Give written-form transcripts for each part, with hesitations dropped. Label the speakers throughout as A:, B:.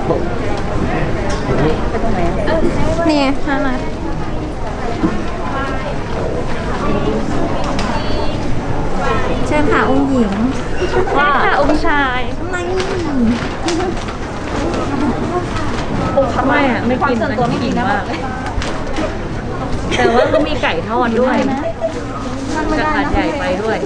A: เนี่ยน่ารักเชิญค่ะองค์หญิงว่าค่ะองค์ชายไม่ทำไมอ่ะไม่กินนะกินมากแต่ว่าก็มีไก่ทอดด้วยกระถางใหญ่ไปด้วย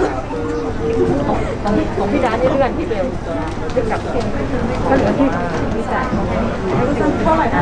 A: ของพี่ดาที่เลื่อนพี่เบลกับก็เหลือที่พี่จ่ายเท่าไหร่อ่ะ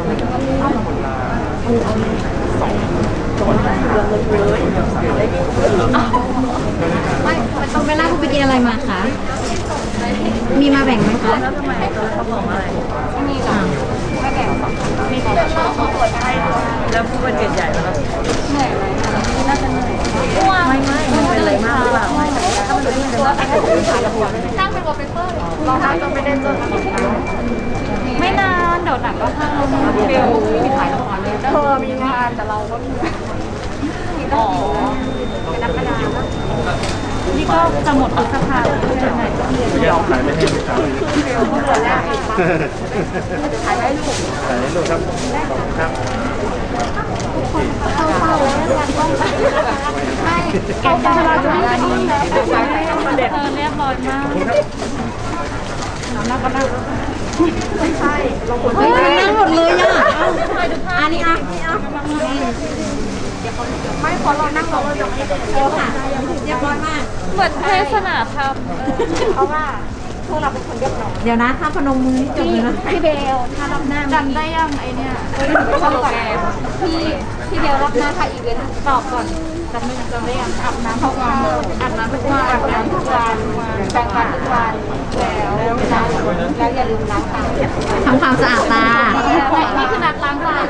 A: ไม่เอาเวลาคุณไปกินอะไรมาคะมีมาแบ่งไหมคะแล้วทำไมตอนเขาบอกอะไรไม่มีหรอกไม่แบ่งมีแต่เขาเปิดให้แล้วผู้เป็นใหญ่แล้วเหนื่อยไหมน่าจะเหนื่อยไม่มันเป็นอะไรมากหรือเปล่าไม่ถ้ามันเป็นตัวตั้งเป็นวอลเปเปอร์รอได้ก็ไม่ได้จนไม่นานเดี๋ยวหนังก็เข้าเบลมีถ่ายละครเลยเธอมีงานแต่เราก็อ๋อเป็นนักกระดาษนี่ก็จะหมดพฤษภาคมแล้วไง
B: ไม่เอาขายไม่ให้ไหมครับ
A: ขายได้ลูก
B: ขายได้ลูกครับครับ
A: เข้าแล้วไม่แกจะราจะไม่ดีเธอเรียบร้อยมากนั่งก็นั่งไม่ใช่เราควรนั่งหมดเลยอ่ะอันนี้อ่ะไม่พอเรานั่งเราจะไม่เดี๋ยวค่ะเรียบร้อยมากเหมือนเทศนาธรรมเพราะว่าพวกเราเป็นคนเรียบร้อยเดี๋ยวนะถ้าพนมมือจบเลยนะพี่เบลถ้ารับหน้าจำได้ยังไอเนี่ยชอบแกพี่เบลรับหน้าค่ะอีเวนต์ตอบก่อนจำได้ยังอาบน้ำทุกวันอาบน้ำทุกวันอาบน้ำทุกวันแปรงฟันทุกวันแล้วอย่าลืมล้างตาทำความสะอาดตานี่คือนัดล้างตา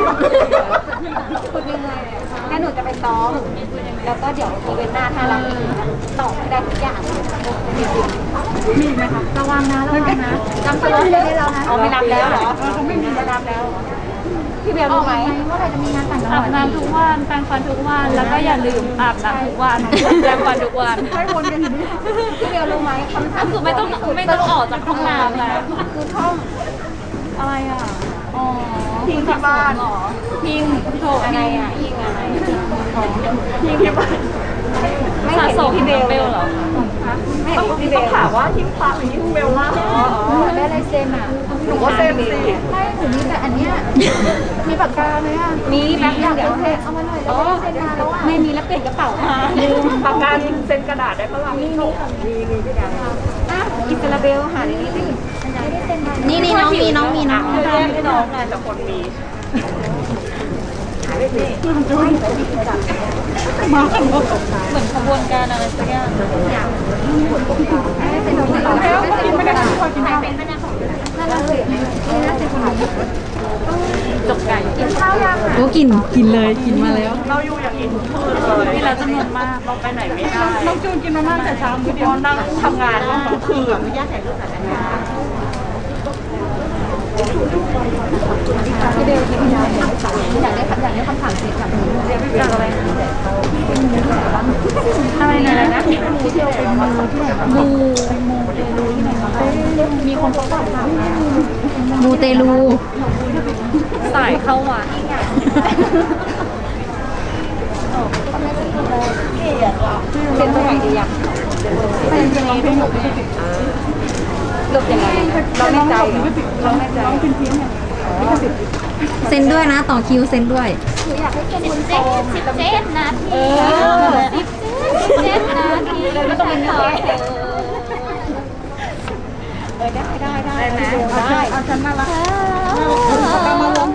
A: คุณยังไงงั้นหนูจะไปซ้อมแล้วก็เดี๋ยวอีเวนต์หน้าถ้าเราตอบได้ทุกอย่างมีไหมคะระวังนะจำสล็อตเลยให้เรานะอ๋อไม่นับแล้วเหรอเขาไม่มีไม่นับแล้วพี่เบลรู้ไหมว่าเราจะมีงานแต่งงานอาบน้ำทุกวันแปรงฟันทุกวันแล้วก็อย่าลืมอาบน้ำทุกวันแปรงฟันทุกวันให้วนกันอยู่พี่เบลรู้ไหมคำถามคือไม่ต้องออกจากห้องน้ำแล้วคือท่องอะไรอ่ะอ๋อพิงที่บ้านหรอพิงโถอะไรอ่ะพิงอะไรพิงที่บ้านไม่สะสมพี่เบลเหรอไม่ต้องถามว่าทิมฟ้าหรือทิมเบลล่าได้ลายเซ็นอ่ะหนูก็เซ็นสิไม่หนูมีแต่อันเนี้ยมีปากกาไหมอ่ะมีแป๊บเดี๋ยวเอามาหน่อยแล้วเซ็นมาแล้วอ่ะไม่มีแล้วเปลี่ยนกระเป๋ามาปากกาเซ็นกระดาษได้ปะล่ะมีพี่กันอ่ะอิสราเบลหาในนี้สินี่น้องมีน้องไม่ได้น้องไงแต่คนมีมาเหมือนขบวนการอะไรสักอย่างแล้วไม่ได้คอยกินข้าวเป็นนั่นเลยจกไก่กินข้าวยังโอ้กินเลยกินมาแล้วเราอยู่อย่างอินทุกคืนเลยนี่เราจำนวนมากเราไปไหนไม่ได้น้องจูนกินมาม่าแต่เช้ามื้อเดียวนั่งทำงานทั้งคืนอนุญาตถ่ายรูปหน่อยนะคะพี่เบลที่พี่อยากได้คำถามเสร็จกับเรียกจากอะไรอะไรนะที่เที่ยวเป็นมูที่ไหนมามีคนเขาบอกมูเตลูสายเข้าวัดเป็นตัวไหนดีอ่ะเป็นยังไงเป็นหนูเลือกยังไงเราไม่ใจเซ็นด้วยนะต่อคิวเซ็นด้วยอยากให้เซ็น17 นาที17 นาทีไม่ต้องเป็นได้ไหมได้เอาฉันมาละมาลง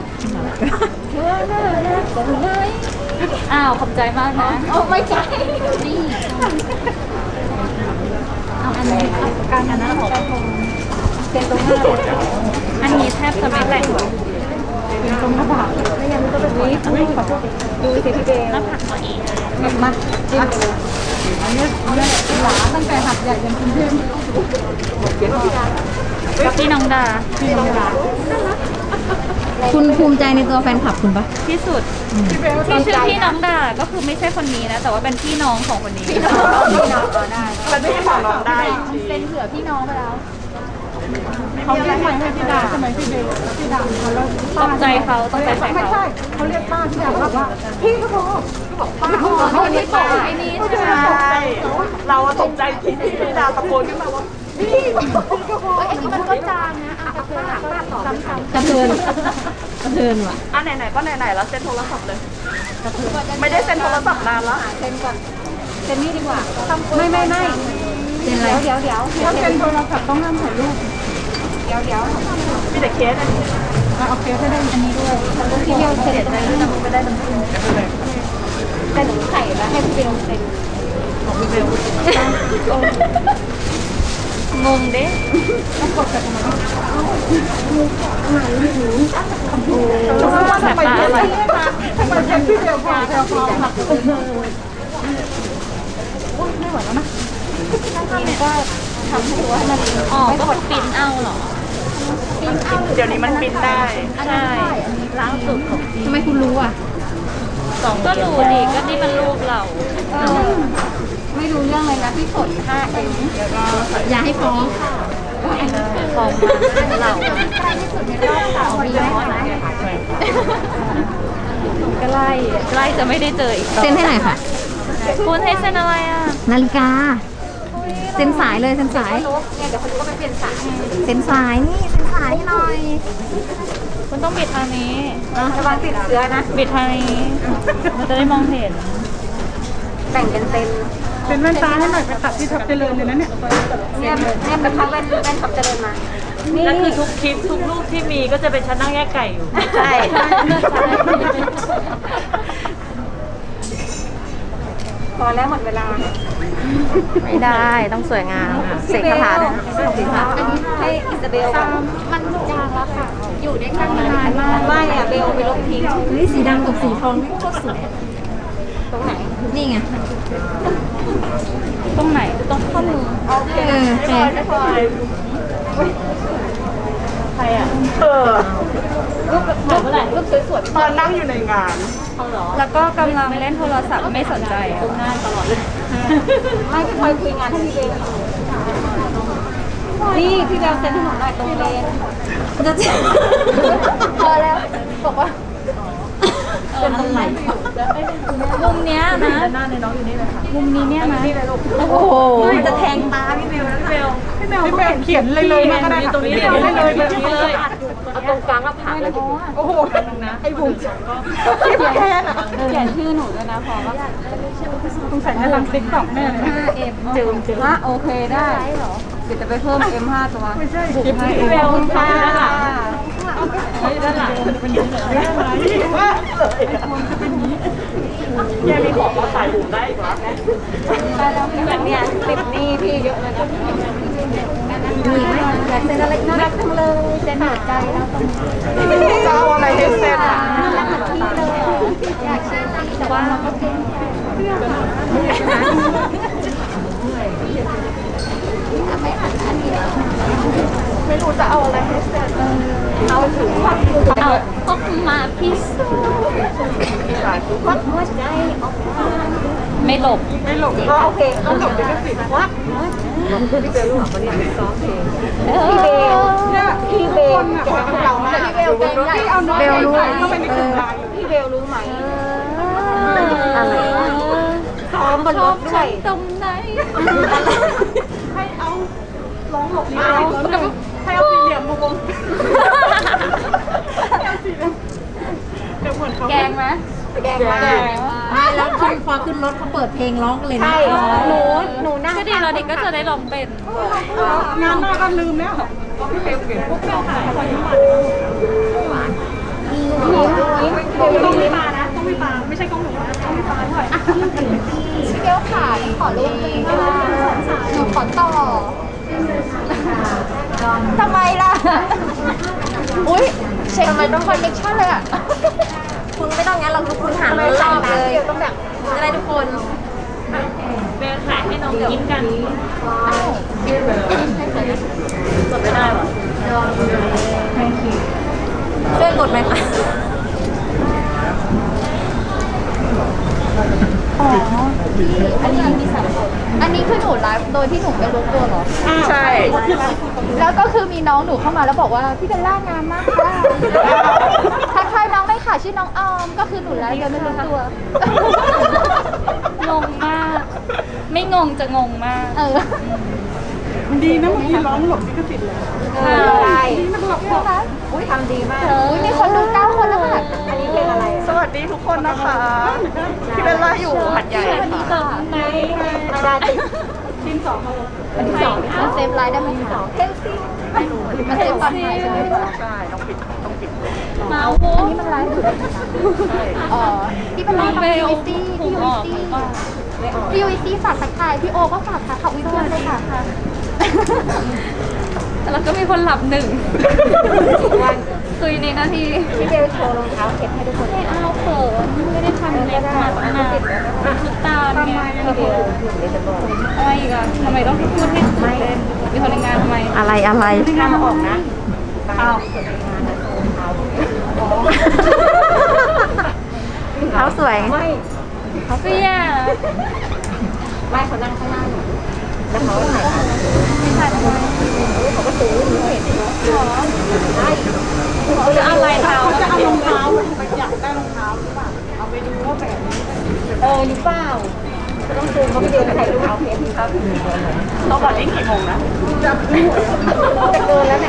A: อ้าวขอบใจมากนะโอ้ไม่ใจนี่เอาอันนี้การอันนั้นของเซ็นตรงหน้าอันนี้แทบจะไม่แต่งเป็นตรงกระบะไม่งั้นก็เป็นนี้ขอโทษดูสิพี่เบลแล้วผักตัวเองมาจิ้มอันนี้หลาตั้งแต่หัดใหญ่ยันกรุงเทพพี่น้องดาคุณภูมิใจในตัวแฟนคลับคุณปะที่สุดที่ชื่อพี่น้องดาก็คือไม่ใช่คนนี้นะแต่ว่าเป็นพี่น้องของคนนี้พี่น้องได้มันไม่ใช่ของน้องได้เซ็นเผื่อพี่น้องไปแล้ว
C: เขาเรียกใหม่ให้พี่ดาใช่ไหมพี่เบลพี่ดาเขาแล้ว
A: ต้องใจเขาต้องใจใส่
C: ไม่
A: เขา
C: ใช่เขาเรียกป้าพี่ดาบอกว่าพี่ก็โทรบอกป้า
A: เขาไม่บอกไอ้นี่ใช่ไหม
D: ใช่เราตกใจที่พี่ดาตะโกนขึ้นมาว่าพี่
A: ไอ้นี่มันก็จางนะเอากระเพื่อนต่อ
C: กระเทือนกระเทือนว่ะ
D: อ่ะไหนๆก็ไหนๆแล้วเซ็นโทรศัพท์เลย ไม่ได้เซ็นโทรศัพท์นานแล้ว
A: เซ็นก่อนเซ็นนี่ดีกว่า
C: ไม่
A: เซ็นอะไรเดี๋ยว
C: ถ้าเป็นโทรศัพท์ต้องห้ามถ่ายรูป
A: เดี๋ยว
D: มีแต่เคสอันนี้
C: โอเคถ้าได้อันนี้ด้วย
A: พี่เบลเซ็นอะไรนี่ไม่ได้น้ำจิ้มแต่หนูใส่แล้วให้พี่เบลเซ็นของพี่เบลงงเด้
C: รู้ว่าทำไมเซ็นทำไมเซ็นพี่เบลพอเบลพอค่ะไม่ไหวแล้วนะ
A: นี่ก็ทำให้รู้ว่ามันอ๋อก็ปิ้นเอาเหรอ
D: เดี๋ยวนี้มันปริ้นได้
A: ใช่ล่าสุดของ
C: ทำไมคุณรู้อ่ะ
A: ก็รู้ดิก็นี่มันรูปเราไม่รู้เรื่องเลยนะพี่ฝน5M
C: อย่าให้ฟ้อง
A: ของเราใกล้ที่สุดในรอบ3 ปีไหมใกล้จะไม่ได้เจออีก
E: เซ็นให้หน่อยค่ะ
A: คุณให้เซ็นอะไรอ่ะ
E: นาฬิกา เซ็นสายเลยเซ็นสาย
A: เนี่ยเดี๋ยวคนก็ไปเปลี่ยนสาย
E: เซ็นสายนี่เซ็นสายให้หน่อย
A: คุณต้องบิดทางนี้ระวังติดเชื้อนะบิดทางนี้มันจะได้มองเห็นแบ่งกันเซ็น
C: เป็นแว่นตาให้หน่อยไปตัดที่ทับเจริญเลยนะเนี่ย
A: เนี่ยไปพักแว่นขับเจริญมานี่
D: แล้วคือทุกคลิปทุกรูปที่มีก็จะเป็นฉันนั่งแยกไก่อยู่
A: ใช่พอแล้วหมดเวลา
E: ไม่ได้ต้องสวยงามเสกคาถาด้วยนะ
A: อันนี้ให้อิซาเบลมันจางแล้วค่ะ อยู่ได้กันนานมากไม่อะเบลไปลบทิ้ง
E: เฮ้ยสีดำกับสีทองนี่โคตรสวย
A: ตรงไหน
E: นี่ไง
A: ตรงไหนตรงข้อมือ
E: โอเค
D: ใครอ่ะรูปเมื่อไหร่
A: รูปสวย
D: ตอนนั่งอยู่ในงาน
A: แล้วก็กำลังเล่นโทรศัพท์ไม่สนใจตรงหน้าตลอดเลยไม่พี่พลอยคุยงานให้พี่เบลนี่พี่เบลเซ็นให้หนูหน่อยตรงเลน
E: จะเจ็บ
A: พอแล้วบอกว่า
E: เป็นอะไร
A: มุมเนี้ยนะ
D: หน้าในน้องอยู่นี่เลยค่ะ
A: มุมนี้เนี่ยนะ
E: โอ้โหมันจะแทงตาพี่เบลนะ
D: พี่เบล
C: พี่เบลเขียนเลยมาก็ได้ค่ะ
D: ตรงนี้
C: พี่
D: เลย
C: เบลเลย
D: ตรงนี้เลย
A: เอาตรงกลางก็ผ่านเลย
C: โอ้โหไอ้บุ๋มเขียนแค่น่ะ
A: เขียนชื่อหนูด้วยนะพอว่า
C: สงสัยจะทำติ๊กต็อกแน่เลย
A: 5M จืมว่าโอเคได้เหรอเดี๋ยวจะไปเพิ่ม M5 ตัว
C: ไม่ใช่คลิป
D: พี่เบลค่ะ
A: ด้านหลัง
C: เป็นยังไงว่า
D: แกมีของมาขายบุ๋มได้อีกเหรอ
A: ได้แล้วแบบเนี้ยติดหนี้พี่เยอะเลยนะ
E: มีไหม
A: อยากเซ็นอะไรน่ารักจังเลยเซ็นหัวใจแล้วตรงนี้
D: จะเอาอะไรให้เซ็นอ่ะ
A: น่ารักเหมือนพี่เลยอยากเซ็นแต่ว่าเราก็เซ็น
D: ไม่รู้จะเอาอะไรให้เซ็น
A: เอาถึงเอาออกมาพิสูจน์วัดหัวใจออกมาไม่หลบ
D: ไม่หลงก็โอเคต้องหลบด้วยสิว่า
A: พี่เบลเนี่ยพี่เบลแกงเรามากพี่เบลแกงใหญ่
C: เอาน้อง
E: เบลรู้
C: ก็ไม่ได้ถึงลาย
A: พี่เบลรู้ไหม
E: อะไร
A: ซ้อมบนรถด้วยตรงไหน
D: ให้เอาร้องหลบนี้ให้เอาสี่เหลี่ยมวงเดี๋ยวเหมือนเขา
A: แกงไหมแกงมาก
E: ไม่แล้วพอขึ้นรถเขาเปิดเพลงร้องกันเลยนะ
A: ใช่หนูนั่งก็ดีเราเด็กก็จะได้ลองเป็น
C: งานหน้าก็ลืมแล้ว
D: พี่เบลเปลี่ยนพวกเบลขายพอยิ้มหวาน ต้องมีปลานะ ต้องมีปลาไม่ใช่กล้องหนูนะต้องมีปลาด้วย
A: พี่เบลขาขอรูปนึงหนูขอต่อทำไมล่ะ อุ้ยเช็คทำไมต้องคอนเนคชั่นเลยอ่ะ
E: คุณไม่ต้องงั้นเราคุณหาเรารอบเลย
A: ต้องแบบ
E: จะได้ทุกคน
D: เบลขายให้น้องยิ้มกันกดไม่ได้หรอ
E: ช่วยกดไหมคะ
A: อันนี้มี3 คนอันนี้คือหนูไลฟ์โดยที่หนูไม่รู้ตัวเหรอ
C: ใช่
A: แล้วก็คือมีน้องหนูเข้ามาแล้วบอกว่าพี่เบลล่างามมากค่ะทักทายน้องได้ค่ะชื่อน้องออมก็คือหนูไลฟ์โดยไม่รู้ตัว
D: งงมาก ไม่งงจะงงมาก
A: เออ
C: มันดีนะเมื่อกี้ร้องหลบลิขสิทธิ์เลย
A: ใช่
C: มันหลบ
A: ใช่ไหมอุ้ยทำดีมากอุ้ยมีคนดู9 คนแล้วค่ะอันนี้เพลงอะไร
C: สวัสดีทุกคนนะคะพี่เบลล่าอยู่หัดใหญ่ค่ะ
A: ไหนมาดาติทีม2วันที่2มันเซฟไลน์ได้ไหมคะเทลซี่มันเซฟตอนไหนใช่ไหมคะ
C: ใช่ต้องปิด
D: เมาส์
A: อันนี้มันไลฟ์อยู่อ๋อที่เป็นไลฟ์ของพีวีซีพีวีซีฝากทักทายพี่โอก็ฝากค่ะขอบคุณด้วยค่ะ
D: แล้วก็มีคนหลับหนึ่งคุยในนาที
A: พี่เบลโชว์รองเท้าเข็ดให้ทุกคน
D: ไม่เอาเขินไม่ได้ทำเล็บมาตั้งนานทุกตาไงอะไรอีกอะทำไมต้องพูดให้ตื่นเต้นมีคนในงานทำไม
E: อะไรอะไร
A: งานมาออกนะ
D: อ้าว
E: เท้าสวย
D: เขาก็แย่
A: ไม่เขานั่งข้างหน้าหนูแล้วเขาถ่ายไม่ใช่ทำไมเขาก็ซื้อหนูเห็นใช่
D: เขาจะอะไรเท้า
C: จะเอารองเท้าไปอยากได้รองเท้าหรือเปล่าเอาไปดูว่าแบบนี้
A: หรือเปล่าต้องซื้อเขาไปเดินถ่ายรูปเอาเพจครับ
C: ต้องก่อนนี้กี่โมงนะ
A: จะเกินแล้วไหน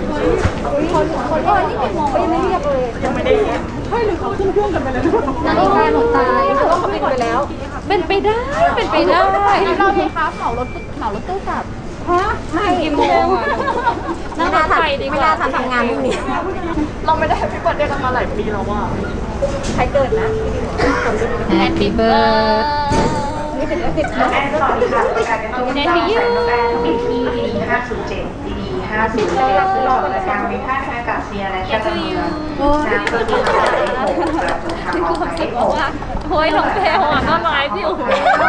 A: คนนี่กี่โมงก็ยังไม่เรียกเลย
C: ยังไม่ได้ใช่หรือเขาขึ้นเครื่องกันไปแล้ว
A: นาฬิกาหนูตายเพราะว่าเขาปิดไปแล้ว
D: เป็นไปได้เป็นไปได้
A: เราเลยครับเหมารถตู้กลับไม่
D: กี่โมงอะนั่งรถไฟดีก
E: ไม่
D: ว่า
E: ได้ทำงานพรุ่งนี้
C: เราไม่ได้แฮปปี้เบิร์ดเดย์กันมาหลายปีแล้วว่า
A: ใครเกิดนะ
E: Happy birthday
A: นี่เป็นแล้วติดนะ
F: แม่สวัสดีค่ะประกาศเป็นตัวแม่แป้งปีที่ดี507ดี507ซึ่งออกรายการวิพากษ์อากาศเซียและชาติเมืองน้ำตัวที่ขาย6ประตูทางออกหมายเลข
D: บอกว่าโอ้ยน้องเพลอ่ะก็ไลฟ์อยู่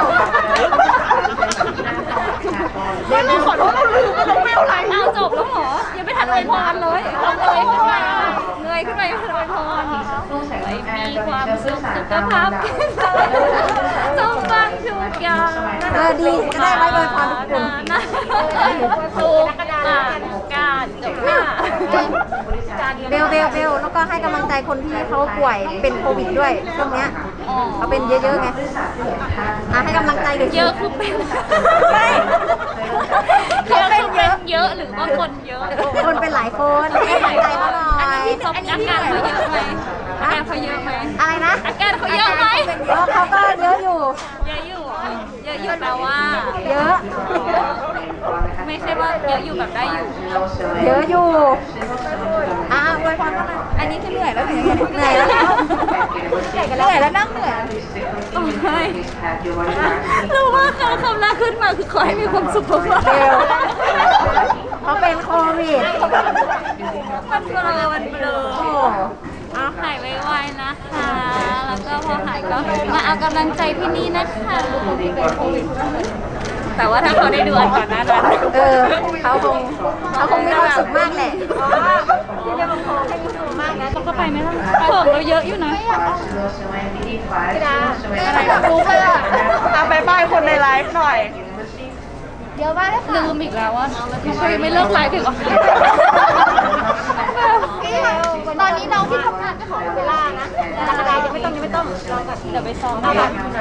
C: เดี๋ยวขอโทษเราลืมว่าเราไม่เอาอะไร
D: เอาจบแล้วเหรอ ยังไม่ทันอวยพรเลยเราเงยขึ้นมาเงยขึ้นมายังไม่ทันอวยพร
F: ลูกแสงแอร์
D: มี
F: ตัว
D: ความ
F: เชื่อ
D: สุ
F: สื่อ
D: ข
F: สาร
D: สุข
F: ตาม
D: ภาพแข็งแรงสมบังทุกอย่าง
E: ดีจะได้ไว้อวยพรทุกคน
D: ทุกการจบค่ะ
E: เบลแล้วก็ให้กำลังใจคนที่เขาป่วยเป็นโควิดด้วยช่วงเนี้ยเขาเป็นเยอะๆไงให้กำลังใจหน่อยสิ
D: เยอะคือเป็น
E: ไม่
D: เยอะคือเป็นเยอะหรือว่าคนเยอะ
E: คนเป็นหลายคนให้กำลังใจเขาหน่อย
D: อาการเขาเยอะไหมอาการเขาเยอะไหม
E: อะไรนะ
D: อาการเขาเยอะไหม
E: เขาก็เยอะอยู่
D: เยอะอยู่เหรอเยอะอยู่แปลว่า
E: เยอะ
D: ไม่ใช่ว่าเยอะอยู่แบบได้อยู่
E: เยอะอยู่อวยพรเขาหน่อยอันนี้คือเหนื่อยแล้วเหนื่อยแล้วเหนื่อยแล้วนั่งเหนื่อย
D: โอ้ยรู้ว่าคำแรกขึ้นมาคือขอให้มีความสุขมาก
E: เบลเขาเป็นโควิด
D: มันเบลอมันเบลอ
E: โอ้
D: เอาหายไวๆนะคะ แล้วก็พอหายก็มาเอากำลังใจที่นี่นะคะแต่ว่าถ้าเขาได้ดูอันก่อนหน้านั้น
E: เขาคงมีความสุขมากแหละ
A: ที่เรียกว่าโคให้มีสูงมากนะ
D: ต้องก็ไปไหมล่ะของเราเยอะอยู่นะ
A: อะไรแบบรู้ไปอ่ะ
C: บายบายคนในไลฟ์หน่อย
A: เยอะมากเลยค่ะ
D: ลืมอีกแล้วว่าเขายังไม่เลิกไลฟ์อีกเหรอ
A: ตอนนี้น้องที่ทำงานก็ขอเวลานะแต่กระดาษยังไม่ต้องรอก่อน
D: เดี๋ยวไปซ้อม
F: รี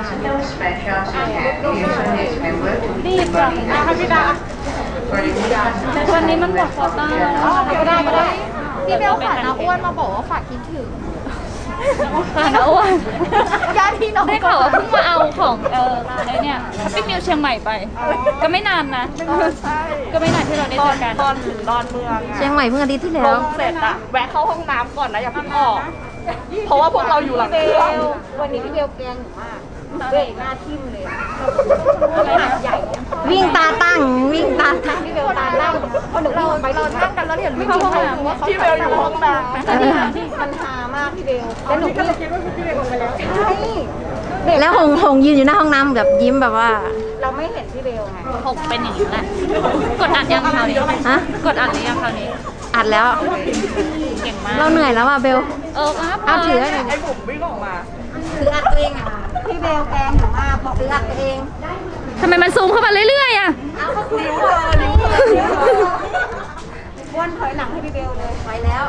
F: บจัง
C: นะคะพี่ดา
D: วันนี้มันหมดโควต้าแล้ว
A: ก็ได้พี่เบลฝากน้าอ้วนมาบอกว่าฝากคิดถึง
D: ค่ะนะอ้วน
A: ญาติพี่น้อง
D: ได้ข่าวว่าเพิ่งมาเอาของไอ้เนี่ยแฮปปี้มิวเชียงใหม่ไป ก็ไม่นานนะ
C: ใช่
D: ก็ไม่นานที่เราได้เจอกัน
C: ตอนถึงดอนเมือง
E: เชียงใหม่เพิ่งอาทิตย์ที่
C: ล
E: แล้ว
C: งเสร็จอะแวะเข้าห้องน้ำก่อนนะอย่าเพิ่งออก เพราะว่าพวกเราอยู่หลัง
A: เบ
C: เครื่อง
A: ลวันนี้พี่เบลแกล้งหนูมากเบรกหน้าทิ่มเลยใหญ่
E: วิ่งตาตั้ง
A: พี่เบลตาตั้งพอหนูวิ่งไปเรานั่งกันแล้วเดี๋ยววิ่งเข้าห้องน้ำว่าเขา
C: พี่เบลอยู่ห้องน้ำ
A: มันฮามากพี่เบลแล้วหนูก็คิดว่าพี่เบลลงไปแล้วใช่
E: แล้วหงยืนอยู่หน้าห้องน้ำแบบยิ้มแบบว่า
A: เราไม่เห็นพี่เบลไง
D: หกเป็นอย่างนี้แหละ กดอัดยังคราวนี้
E: ฮะ
D: กดอัดหรือยังคราวนี้
E: อัดแล้ว
D: เก่งมาก
E: เราเหนื่อยแล้วอ่ะเบล
D: ครับ
E: เอาถือให้หน่อย
C: ไอ้บุ๋มวิ่งออกมา
E: ถืออัดตัวเองอ่ะ
A: พี่เบลแกล้งหนูมากบอกถืออัดตัวเอง
D: ทำไมมันซูมเข้ามาเรื่อยๆอ่ะ
A: อ้วนถอยหลังให้พี่เบลเลย
E: ไปแล้ว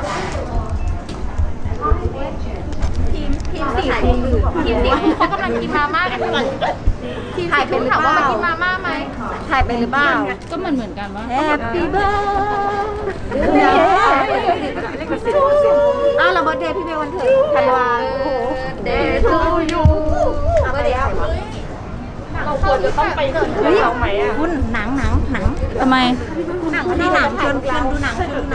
A: ทีมสี่ทีมสี่เขากำลังกินมาม่ากันอยู่ทีมสี่คุณถามว่ามากินมาม่าไหม
E: ถ่ายไปหรือเปล่า
D: ก็เหมือนกันว่า
E: Happy birthday อ้าวเราเบิร์ธเดย์พี่เบลวันเถิดธันวาโอ้โห
A: Day to you
E: เอาไปเดี๋ยว
C: เราควรจะต้องไปถึงเราไหมอ่ะ
E: คุณหนัง
D: ทำไม
E: นี่หนังชวนดูหนัง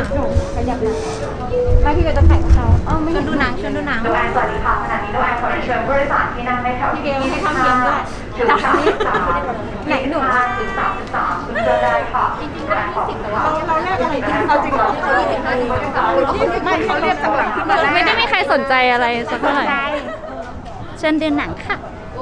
A: ไม่พี่เบลจะถ่ายกับเขา
E: ชวนดูหนัง
F: สวัสดีค่ะขณะนี้ด้วยขอเชิญผู้โดยสารที่นั่งในแถวที่
A: พี่เบลให้ทำเพียงด้วย
F: จากไหนหนูถึง33เจอได้ค่ะจริงๆแล้ว20แต่ว่า
C: เราแรกอะไรกันเอาจริงเหรอไม่เขาเรียกจากหลังขึ้นมาแรก
D: ไม่ได้มีใครสนใจอะไรสักเท่าไหร่เชิญดูหนังค่ะ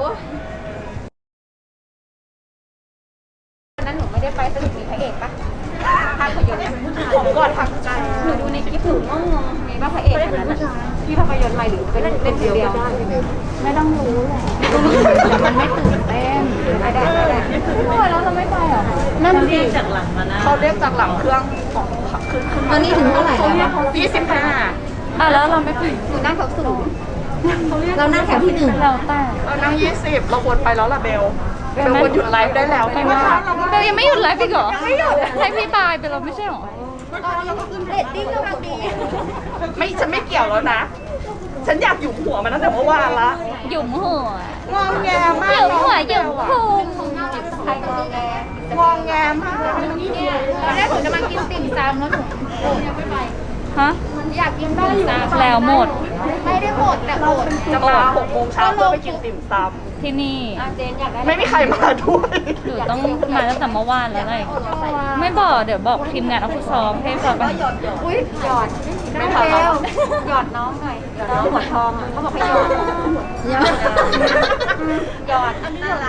A: วันนั้นหนูไม่ได้ไปสนุกมีพระเอกปะภาพยนตร์เนี่ย
C: ผมกอดทักใจ
A: หนูดูในคลิปหนูงงๆมีว่าพระเอกคนนั้นน่ะที่ภาพยนตร์ใหม่หรือเป็นคนเดียวไม่ต้องรู้แหละแต่มันไม่ตื่นเต้นไม่ได้แล้วเราไม่ไปหรอนั่นสิ
C: เขาเรียกจากหลังเครื่องของขึ้น
E: ตอนนี้ถึงเท่าไหร่แล้ว
C: 25
D: แล้วเราไม่ไป
A: หนูนั่งแถวสูง
E: เรานั่งแถวที่หนึ่ง
D: เราแต่
C: เรานั่ง20เราควรไปแล้วล่ะเบลเบลควรหยุดไลฟ์ได้แล้ว
D: ไม่ว่าเรายังไม่หยุดไลฟ์อีกเหรอไม่หยุดให้พี่ตายไปเราไม่ใช่หรอ
A: เรตติ้งกำลังดี
C: ไม่ฉันไม่เกี่ยวแล้วนะ ฉันอยากอยู่หัวมันตั้งแต่เมื่อวานละ
D: หยุ่มหัว
C: งองแงมา
D: ห
C: ก
D: ยุ่มหัวหยุ่มพุง
A: ใครงอแง
C: งองแงมาก
A: ตอนแรกหนูจะมากินติ่มซำแล้วหนูยังไม่ไป
D: ฮะ
A: อยากกินได้อยู่
D: แล้วหมด
A: ไม่ได้หมดแต่อด
C: จะมา6 โมงเช้าเพื่อไปกินติ่มซ
D: ที่นี่
A: เจนอยากได้
C: ำไม่มีใครมาด้วย
D: หนูต้องมาตั้งแต่เมื่อวานแล้วไงไม่บอกเดี๋ยวบอกทีมงานเอาผู้ซ้อมให้ฟังไป
A: อุ้ยหยอดไม่เบลหยอดน้องหน่อยน้องหัวทองเขาบอกให้หยอดหยอดอันนี้ละ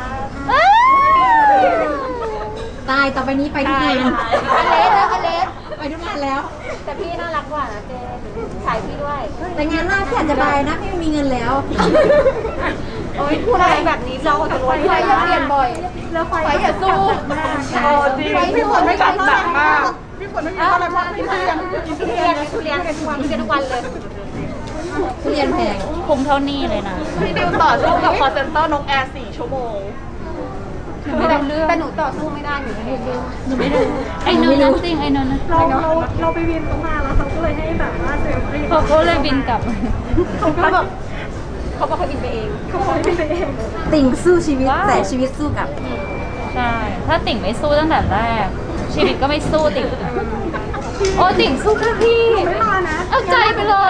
E: ตายต่อไปนี้ไปทุกงาน
A: อเลสนะอเลส
E: ไปทุกงานแล้ว
A: แต่พี่น่ารักกว่านะเจนขายพี่ด้วย
E: แต่งานหน้าพี่อาจจะไปนะพี่ไม่มีเงินแล้ว
A: โอ้ยพูดอะไรแบบนี้เราจะรวยไฟจะเปลี่ยนบ่อยแล้วไฟอย่าสู้
C: โอ้จริงพี่ฝนไม่จัดหนักมากพี่ฝนไม่มีอะไรเพราะพี่เรียน
A: ทุเรียนทุเรียนทุกวันเลย
E: ทุเรียนแพง
D: คุ้มเท่านี้เลยนะ
C: พี่ดิวต่อสู้กับคอเซ็นเตอร์นกแอร์4 ชั่วโมง
A: แต่หนูต่อสู้ไม่ได้หนูไม่ได้
D: หนูไม่รู้ไอ้นนท์นั่นจริงไอ้นนท์นะ
C: เราไปวินตรงมาแล้วเขาก็เลยให้แบบว่าเซลฟี่
D: เขาก็เลยบินกลับ
A: เขาบอกเขาบินไปเอง
E: ติ่งสู้ชีวิต
D: ว้าว
E: แต่ชีวิตสู้กับ
D: ใช่ ถ้าติ่งไม่สู้ตั้งแต่แรก ชีวิตก็ไม่สู้ติ่ง โอ้ติ่งสู้เพื่อพี่เอาใจไปเลย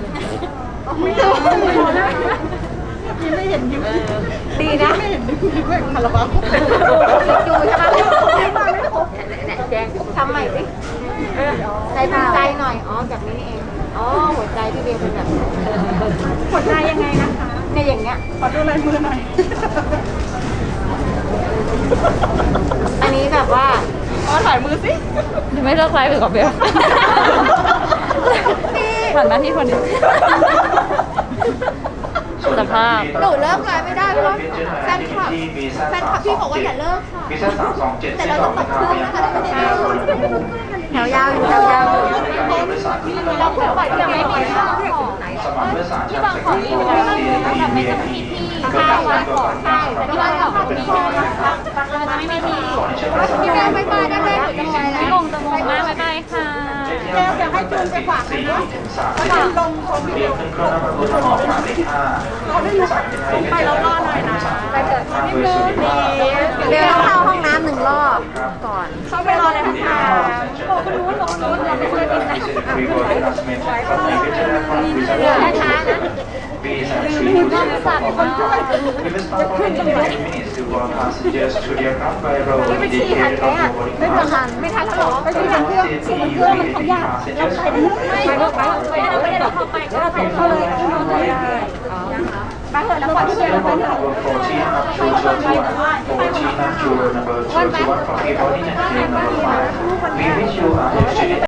A: ดีนะ
C: คาราบาว
A: อยู่ใช่ไหมแจ้งทำใหม่สิใจภูมิใจหน่อย อ๋อแบบนี้นี่เอง อ๋อหัวใจพี่เบลเป็นแบบนี้
C: หัวใจยังไงนะคะ
A: เนี่ยอย่างเงี้ย
C: ขอดูลายมือหน่อย
A: อันนี้แบบว่า
C: ขอถ่ายมือสิ
D: เดี๋ยวไม่เลิกไลฟ์ไปกับเบลผ่านมาที่คนนี้สภาพ
A: หนูเลิกไลฟ์ไม่ได้เพราะว่าแฟนคลับพี่บอกว่าอย่าเลิกค่ะ
B: พิเศษ327
A: แต่เราต้องตัดเครื่องนะคะเราไม่ได้เลิก
E: แถวยาวอยู่แถวยาวอยู่
A: เราเพิ่งปล่อยที่ไม่มีข้าวของ
B: สมัครเมื่อสาร
A: ที่บางของนี่มันไม่ต้องแบบไม่ต้องมีที่ข้าววันก่อนใช่แต่ที่บ้านออกมีที่เราจะไม่มีที่พี่แม่ไม่มาได้ไหมหนูจะไปแล้ว
D: พี่งงจะงงมากบ๊ายบายค่ะ
C: แก้วอยากให้จูนไปฝากนะฝากลงของพี่
B: เรี
C: ดิ
B: ยก
C: ว
B: ขึ้นเครื่องนำรถออกหมายเลข5
C: เขาได้รู้ไปแล้วรอหน่อยนะ
A: ไปเถอะ
B: นิดนึง
E: เบลต้องเข้าห้องน้ำ1 รอบก่อน
C: เข้าไปรอเลยนะคะบอกคุณรู้หลงรู้เราไม่เคยกินนะ
A: ช้าๆนะ
B: We will start boarding in 20 minutes to board passengers to the aircraft by road indicated on your boarding pass.
A: ไม่ทันแล้วหรอ
B: ไปที่ทางเครื่องเครื่องมันขยากเราไปได้
A: ไม่ได้เราเข้าไปก็ไปเข้าเลยไปเถอะแล้วก่อนที่จะไปเถอะ
B: 14 up to 14 up to number 21 from the boarding and queue number 5. We wish you a